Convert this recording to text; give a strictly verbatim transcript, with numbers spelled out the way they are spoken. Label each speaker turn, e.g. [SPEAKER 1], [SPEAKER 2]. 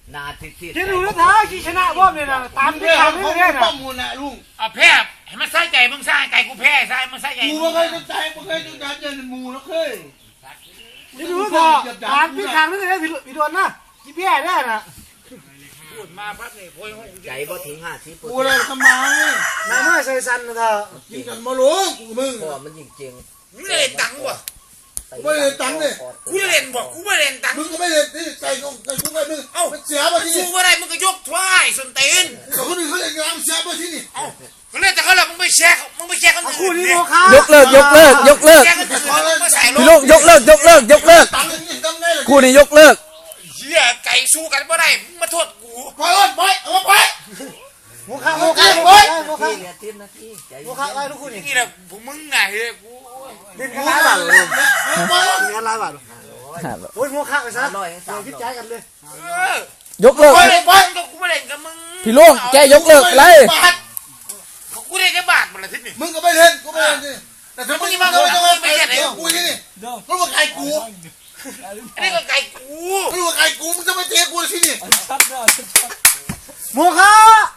[SPEAKER 1] นาทิศ
[SPEAKER 2] คิดดูนะท้าขี้ชนะบ้อมเลยนะตามที่ทำนี่เนี่ยนะ
[SPEAKER 3] มูลนะลุง
[SPEAKER 4] เอาแพ้ให้มันใส่ใจมึงใส่ใจกูแพ้ใส่มึงใส่ใจ
[SPEAKER 3] กูไม่เคยจะใจไม่เคยจะดันเดินมูแล้วเคย
[SPEAKER 2] คิดดูนะท้าตามที่ทางนี่เลยพี่โดนนะกี่แย่ได้นะ
[SPEAKER 4] พูดมาพักนี่โอย
[SPEAKER 1] ใจบ่ถึงห้าสิบ
[SPEAKER 3] กูเลยทำไม
[SPEAKER 2] นายน้อยใส่สันนะท้า
[SPEAKER 3] ยิงกันมาลุงกูมึง
[SPEAKER 1] เพราะมันจริง
[SPEAKER 4] มึงเล่นตังค์วะ
[SPEAKER 1] ๆ
[SPEAKER 3] ไม่เล่นตังค์เลย
[SPEAKER 4] กูเล่นบอกกูไม่เล่นตังค์
[SPEAKER 3] มึงก็ไม่เล่นที่ใจกูใจกูไม่มึงเอ้าเสียมาที่
[SPEAKER 4] สู้
[SPEAKER 3] นี่
[SPEAKER 4] ว่าไรมึงก็ยกถ้วยสนตีน
[SPEAKER 3] แต่คนอื่นเขาเล่นงานเสียมาที่นี่
[SPEAKER 4] เอ้าเขาเล่นแต่เขาหลับมึงไม่แชร์มึงไม่แชร์คนอื่น
[SPEAKER 2] คู่นี้โมฆะ
[SPEAKER 5] ยกเลิกยกเลิกยกเลิก
[SPEAKER 4] แชร์คนอื่นมึงไม่ใส่ล
[SPEAKER 5] พี่ลุงยกเลิกยกเลิกยกเลิก
[SPEAKER 3] ตังค์นี่ตังค์ได้เลย
[SPEAKER 5] คู่นี้ยกเลิก
[SPEAKER 4] เหี้ยไก่สู้กันไม่ได้มึงมาโทษกู
[SPEAKER 3] ปล่อยไปเอาไป
[SPEAKER 2] โมฆะโมฆะโมฆะโมฆะ
[SPEAKER 1] ที่เหลือทีมนาทีใจ
[SPEAKER 2] โมฆะไล่ทุกคู่นี่
[SPEAKER 4] นี่แหละพวกมึงไงเฮ้ยกู
[SPEAKER 2] เล่นกันหลายบาทเลย
[SPEAKER 3] ปล่อย
[SPEAKER 2] เล่นกันหลายบาทโอ้ยโมฆะไปซะเดี๋ยวคิดใจกันเลย
[SPEAKER 4] เออย
[SPEAKER 5] กเลิก
[SPEAKER 4] กูเล่นกูไม่เล่นกับมึง
[SPEAKER 5] พี่ลุงแกยกเลิกอะไร
[SPEAKER 4] กูเล่นแค่บาทมันละทิศนี่
[SPEAKER 3] มึงก็ไม่เล่นกูไม่เล่นแต่ถ้ามึงมาต้องมาไปเดี๋ยวกูที่นี่รู้ว่าใครกู
[SPEAKER 4] อันนี้ก็ไก่กู
[SPEAKER 3] รู้ว่าใครกูมึงจะไม่เตะกูที่นี่
[SPEAKER 2] โมฆะ